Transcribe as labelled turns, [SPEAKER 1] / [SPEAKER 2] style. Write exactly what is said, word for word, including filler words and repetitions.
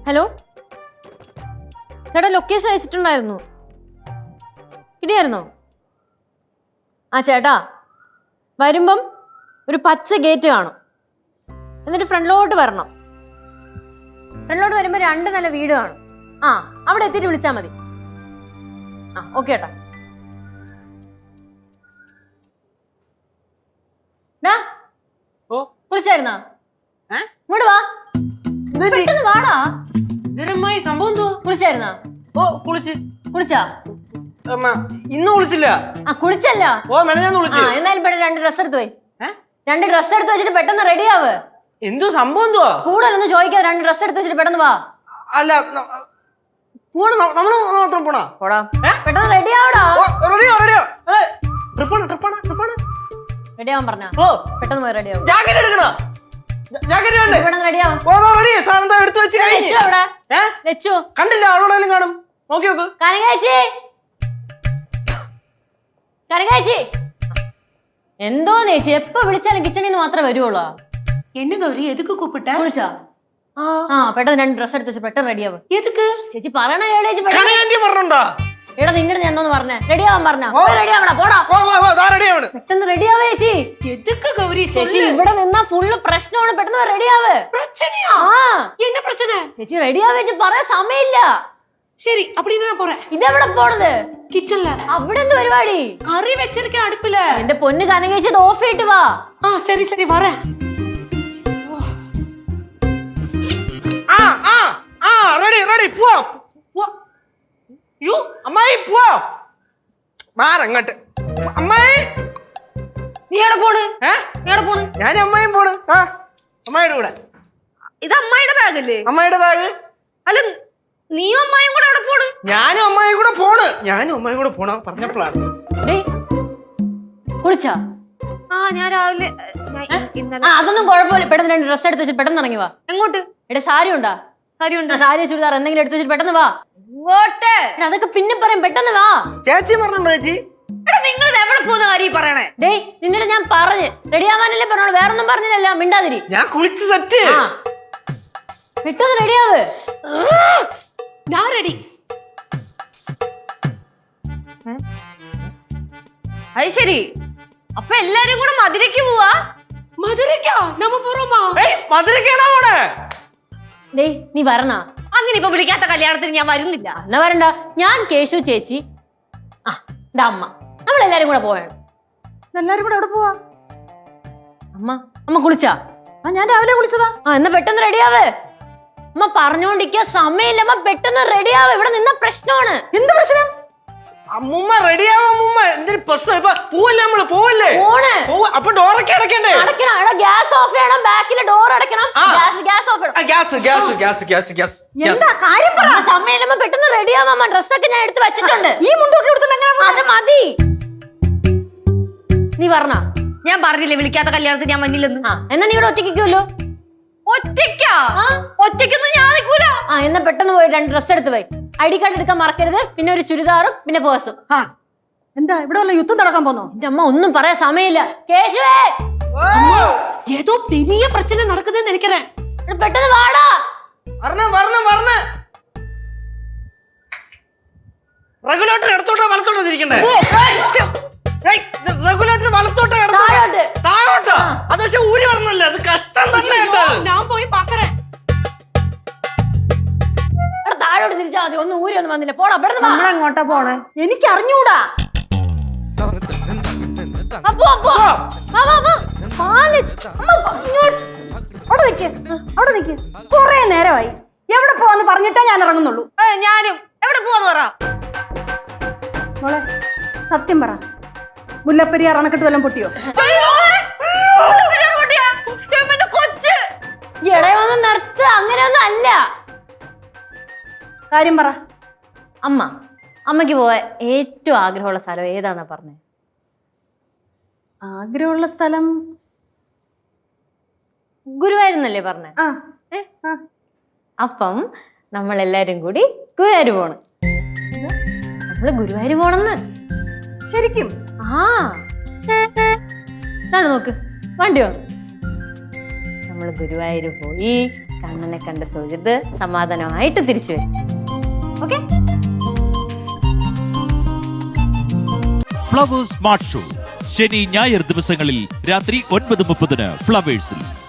[SPEAKER 1] Hello ചേട്ടാ, location അയച്ചിട്ടുണ്ടായിരുന്നു. കിട്ടിയായിരുന്നോ? ആ ചേട്ടാ, വരുമ്പം ഒരു പച്ച ഗേറ്റ് കാണും. എന്നിട്ട് ഫ്രണ്ടിലോട്ട് വരണം. ഫ്രണ്ടിലോട്ട് വരുമ്പോൾ രണ്ട് നില വീട് കാണും. ആ, അവിടെ എത്തിയിട്ട് വിളിച്ചാൽ മതി. ആ, ഓക്കെ ചേട്ടാ. വിളിച്ചായിരുന്നാ? ഇങ്ങോട്ട് വാ, പെട്ടെന്ന് വാടാ.
[SPEAKER 2] സംഭവം
[SPEAKER 1] കുളിച്ചായിരുന്നാ?
[SPEAKER 2] ഓ കുളിച്ച്.
[SPEAKER 1] കുളിച്ചാ?
[SPEAKER 2] ഇന്ന് കുളിച്ചില്ല.
[SPEAKER 1] ആ, കുളിച്ചല്ല.
[SPEAKER 2] ഓ മെനഞ്ഞാന്ന് കുളിച്ചു.
[SPEAKER 1] എന്നാലും പെട്ടെന്ന് രണ്ട് ഡ്രസ് എടുത്ത് പോയി. രണ്ട് ഡ്രസ് എടുത്ത് വെച്ചിട്ട് പെട്ടെന്ന് റെഡി ആവ്.
[SPEAKER 2] എന്തോ സംഭവം എന്തുവാ?
[SPEAKER 1] കൂടുതലൊന്നും ചോദിക്കാതെ രണ്ട് ഡ്രസ് എടുത്ത് വെച്ചിട്ട് പെട്ടെന്ന് വാ.
[SPEAKER 2] അല്ല പോണ നമ്മള് മാത്രം പോണാ?
[SPEAKER 1] പോടാ, പെട്ടെന്ന് റെഡി ആവടാ.
[SPEAKER 2] റെഡിയോ റെഡിയോ ട്രിപ്പാണ് ട്രിപ്പാണ് ട്രിപ്പാണ്
[SPEAKER 1] റെഡി ആവാൻ പറഞ്ഞ
[SPEAKER 2] ഓ
[SPEAKER 1] പെട്ടെന്ന് പോയി റെഡി ആവും.
[SPEAKER 2] ജാക്കറ്റ് എടുക്കണോ? ജാക്കറ്റ് വേണ്ടേ?
[SPEAKER 1] പെട്ടെന്ന് റെഡി ആവും.
[SPEAKER 2] ഓ റെഡി. സാധനം എടുത്ത് വെച്ച്
[SPEAKER 1] ലച്ചു അവിടെ. ലച്ചു
[SPEAKER 2] കണ്ടില്ല? അവളോടെങ്കിലും കാണും. നോക്കി നോക്ക്.
[SPEAKER 1] കനകാച്ചി, കനകാച്ചി. എന്തോ ചേച്ചി, എപ്പോ വിളിച്ചാലും കിച്ചണിൽ നിന്ന് മാത്രമേ വരുവുള്ളൂ.
[SPEAKER 3] என்ன கௌரி, எதுக்கு கூப்பிட்ட?
[SPEAKER 1] വിളിച്ചാ? ആ, പെട്ടെന്ന് രണ്ട് ഡ്രസ് എടുത്ത് വെച്ച് പെട്ടെന്ന് റെഡി ആവും.
[SPEAKER 3] எதுக்கு?
[SPEAKER 1] ചേച്ചി പറയണ കേളേച്ചി.
[SPEAKER 2] പറഞ്ഞോണ്ടാ
[SPEAKER 1] എടാ, നിങ്ങളുടെ ഞാൻ എന്തോന്ന് പറഞ്ഞേ? റെഡി ആവാൻ പറഞ്ഞ റെഡി ആവണ. പോടാ, പെട്ടെന്ന് റെഡി ആവേ ചേച്ചി.
[SPEAKER 3] எதுக்கு கௌரி
[SPEAKER 1] ചേച്ചി
[SPEAKER 3] சொல்லு.
[SPEAKER 1] ഇവിടെ നിന്നാ ഫുള്ള് പ്രശ്നമാണ്. പെട്ടെന്ന് റെഡി ആവ്.
[SPEAKER 3] பிரச்சனையா?
[SPEAKER 1] ആ
[SPEAKER 3] என்ன பிரச்சனை?
[SPEAKER 1] ചേച്ചി റെഡി ആവേ ചേച്ചി, പറയാൻ സമയമില്ല.
[SPEAKER 3] சரி, அப்படின்னு நான் போறேன்.
[SPEAKER 1] ഇതെവിടെ പോണത്?
[SPEAKER 3] கிச்சன்ல
[SPEAKER 1] അവിടെ എന്ത് പരിപാടി?
[SPEAKER 3] கறி வச்சிருக்கேன் அடுப்புல.
[SPEAKER 1] എന്റെ പൊന്ന് കനകേച്ചി, ഇത് ഓഫ് ചെയ്തിട്ട് വാ.
[SPEAKER 3] ஆ சரி சரி வரேன்.
[SPEAKER 2] ആ ആ ആ റെഡി റെഡി പോവാ. യു അമ്മായി പോവാ. മാറങ്ങോട്ട്. അമ്മായി
[SPEAKER 1] നീ എവിടെ പോണ്?
[SPEAKER 2] ഏ
[SPEAKER 1] നീ എവിടെ പോണ്?
[SPEAKER 2] ഞാൻ അമ്മായിയും പോണ്. ആ അമ്മായിയുടെ കൂടെ.
[SPEAKER 1] ഇത് അമ്മായിയുടെ ബാഗല്ലേ?
[SPEAKER 2] അമ്മായിയുടെ ബാഗ്.
[SPEAKER 1] അല്ല, നീയും അമ്മായും കൂടെ എവിടെ പോണ്?
[SPEAKER 2] ഞാനും അമ്മായിയും കൂടെ പോണ്. ഞാനും അമ്മായിയും കൂടെ പോണ പറഞ്ഞപ്പോഴാണ്.
[SPEAKER 1] കുളിച്ചാ?
[SPEAKER 4] ആ ഞാൻ രാവിലെ
[SPEAKER 1] ആ, അതൊന്നും കുഴപ്പമില്ല. പെട്ടെന്ന് രണ്ട് ഡ്രസ് എടുത്ത് വെച്ചിട്ട് പെട്ടെന്ന് ഇറങ്ങി വാ.
[SPEAKER 4] എങ്ങോട്ട്?
[SPEAKER 1] എടാ, സാരി ഉണ്ടാ?
[SPEAKER 4] സാരി ഉണ്ട്.
[SPEAKER 1] സാരി ചുരിദാർ എന്തെങ്കിലും എടുത്ത് വെച്ചിട്ട് പെട്ടെന്ന് വാ.
[SPEAKER 4] ഇങ്ങോട്ട്.
[SPEAKER 1] എടാ, അതൊക്കെ പിന്നെ പറയും, പെട്ടെന്ന് വാ.
[SPEAKER 2] ചേച്ചി പറഞ്ഞോ? ചേച്ചി
[SPEAKER 4] നിങ്ങൾ എവിടെ പോകുന്ന കാര്യം പറയണേ?
[SPEAKER 1] ഡേയ്, നിന്നോട് ഞാൻ പറഞ്ഞ് റെഡി ആവാനല്ലേ പറഞ്ഞോളൂ, വേറൊന്നും പറഞ്ഞില്ലല്ലോ. മിണ്ടാതിരി.
[SPEAKER 2] ഞാൻ കുളിച്ച് സെറ്റ്.
[SPEAKER 1] ആ, പെട്ടെന്ന് റെഡിയാവ്.
[SPEAKER 3] நான் ரெடி.
[SPEAKER 4] അത് ശരി. അപ്പൊ എല്ലാരും കൂടെ മധുരയ്ക്ക് പോവാ?
[SPEAKER 3] மதுரைக்கா? நம்ம போறோமா?
[SPEAKER 2] മധുരക്കാണോ പോണേ?
[SPEAKER 1] ഡേയ്, നീ വരണ?
[SPEAKER 4] അങ്ങനെ ഇപ്പൊ വിളിക്കാത്ത കല്യാണത്തിന് ഞാൻ വരുന്നില്ല.
[SPEAKER 1] എന്നാ വരണ്ട. ഞാൻ, കേശു ചേച്ചി, ആ എന്റെ അമ്മ, നമ്മളെല്ലാരും കൂടെ പോവാണ്.
[SPEAKER 3] എല്ലാരും കൂടെ എവിടെ പോവാ?
[SPEAKER 1] അമ്മ അമ്മ കുളിച്ചാ?
[SPEAKER 3] ആ ഞാൻ രാവിലെ കുളിച്ചതാ.
[SPEAKER 1] ആ, എന്നാ പെട്ടെന്ന് റെഡിയാവ്. അമ്മ പറഞ്ഞോണ്ടിരിക്കുക, സമയമില്ല. അമ്മ പെട്ടെന്ന് റെഡിയാവ്. ഇവിടെ നിന്ന പ്രശ്നമാണ്.
[SPEAKER 3] എന്ത് പ്രശ്നം?
[SPEAKER 2] അമ്മൂമ്മ റെഡിയാവാ. അമ്മൂമ്മ എന്തൊരു പ്രശ്നം? ഇപ്പൊ പോവല്ലേ നമ്മള്? പോവല്ലേ?
[SPEAKER 1] പോണ്.
[SPEAKER 2] അപ്പൊ ഡോറൊക്കെ അടക്കണ്ടേ?
[SPEAKER 1] അടയ്ക്കണം. എടാ, ഗ്യാസ് ഓഫ് ചെയ്യണം. ബാക്കിലെ ഡോർ അടയ്ക്കണം. ഗ്യാസ് ഗ്യാസ് ഓഫ് ചെയ്യണം.
[SPEAKER 2] Gas gas gas gas gas
[SPEAKER 3] എന്താ കാര്യം പറ.
[SPEAKER 1] സമയമില്ല, പെട്ടെന്ന് റെഡിയാവാ. അമ്മ ഡ്രസ്സൊക്കെ ഞാൻ എടുത്ത് വെച്ചിട്ടുണ്ട്.
[SPEAKER 3] ഈ മുണ്ടൊക്കെ എടുത്തിട്ട് എങ്ങനെ
[SPEAKER 1] അത് മതി. നീ പറഞ്ഞ?
[SPEAKER 4] ഞാൻ പറഞ്ഞില്ലേ വിളിക്കാത്ത കല്യാണത്തിന് ഞാൻ വന്നില്ലെന്ന്.
[SPEAKER 1] ആ, എന്നാ നീ ഇവിടെ ഒറ്റയ്ക്കുമല്ലോ.
[SPEAKER 4] ഒറ്റയ്ക്കാ? ഒറ്റയ്ക്കൊന്നും ഞാൻ നിൽക്കൂല.
[SPEAKER 1] ആ, എന്നാ പെട്ടെന്ന് പോയി രണ്ട് ഡ്രസ് എടുത്ത് പോയി. ഐ ഡി കാർഡ് എടുക്കാൻ മറക്കരുത്. പിന്നെ ഒരു ചുരിദാറും പിന്നെ പേഴ്സും. ആ,
[SPEAKER 3] എന്താ ഇവിടെ വല്ല യുദ്ധം നടക്കാൻ പോന്നോ?
[SPEAKER 1] എന്റെ അമ്മ, ഒന്നും പറയാൻ സമയമില്ല. കേശുവേ,
[SPEAKER 3] ஏதோ பெரிய பிரச்சனை நடக்குதுன்னு நினைக்கிறேன்.
[SPEAKER 1] പെട്ടെന്ന് വാടാ.
[SPEAKER 2] വരണം വരണം വരണം. റെഗുലേറ്റർ എടുത്തോട്ടാ വലത്തോട്ടാ തിരിക്കണ്ടേ? റെഗുലേറ്റർ വലത്തോട്ടാ
[SPEAKER 1] താഴോട്ട്.
[SPEAKER 2] താഴോട്ടാ? അത് പക്ഷെ ഊരി വരണല്ലേ? അത് കഷ്ടം തന്നെ കേട്ടോ.
[SPEAKER 3] ഞാൻ പോയി പാക്കറേ.
[SPEAKER 1] എടാ, താഴോട്ട് തിരിച്ചാ മതി. ഒന്നും ഊരി ഒന്നും വന്നില്ല. പോടാ, പെട്ടെന്ന് വാ.
[SPEAKER 4] എങ്ങോട്ടാ പോണേ?
[SPEAKER 3] എനിക്ക് അറിഞ്ഞൂടാ.
[SPEAKER 1] അപ്പോ അപ്പോ വാ വാ വാ. പാല്.
[SPEAKER 3] അവിടെ നിക്ക്, അവിടെ നിക്ക്. കൊറേ നേരമായി. എവിടെ പോവാന്ന് പറഞ്ഞിട്ടേ ഞാൻ ഇറങ്ങുന്നുള്ളൂ.
[SPEAKER 4] ഞാനും. എവിടെ പോവാന്ന് പറ.
[SPEAKER 3] മോളെ സത്യം പറ, മുല്ലപ്പെരിയാർ അണക്കെട്ട് വല്ലതും പൊട്ടിയോ?
[SPEAKER 4] കൊച്ച്
[SPEAKER 1] ഇടയൊന്നും നിർത്ത്. അങ്ങനെയൊന്നും അല്ല.
[SPEAKER 3] കാര്യം പറ.
[SPEAKER 1] അമ്മ, അമ്മയ്ക്ക് പോവാൻ ഏറ്റവും ആഗ്രഹമുള്ള സ്ഥലം ഏതാന്നാ പറഞ്ഞേ?
[SPEAKER 3] ആഗ്രഹമുള്ള സ്ഥലം
[SPEAKER 1] ഗുരുവായൂരെന്നല്ലേ പറഞ്ഞേ?
[SPEAKER 3] ആ
[SPEAKER 1] അപ്പം നമ്മളെല്ലാരും കൂടി ഗുരുവായൂർ പോണം. നമ്മള് ഗുരുവായൂർ പോണെന്ന്.
[SPEAKER 3] ശരിക്കും?
[SPEAKER 1] ആ, ഇതാണ് നോക്ക്, വണ്ടി വന്നു. നമ്മള് ഗുരുവായൂർ പോയി കണ്ണനെ കണ്ട് തൊഴുത് സമാധാനമായിട്ട് തിരിച്ചു വരും. ഓക്കെ?
[SPEAKER 5] ഫ്ലവേഴ്സ് സ്മാർട്ട് ഷോ ശനി ഞായർ ദിവസങ്ങളിൽ രാത്രി ഒൻപത് മുപ്പതിന് ഫ്ലവേഴ്സിൽ.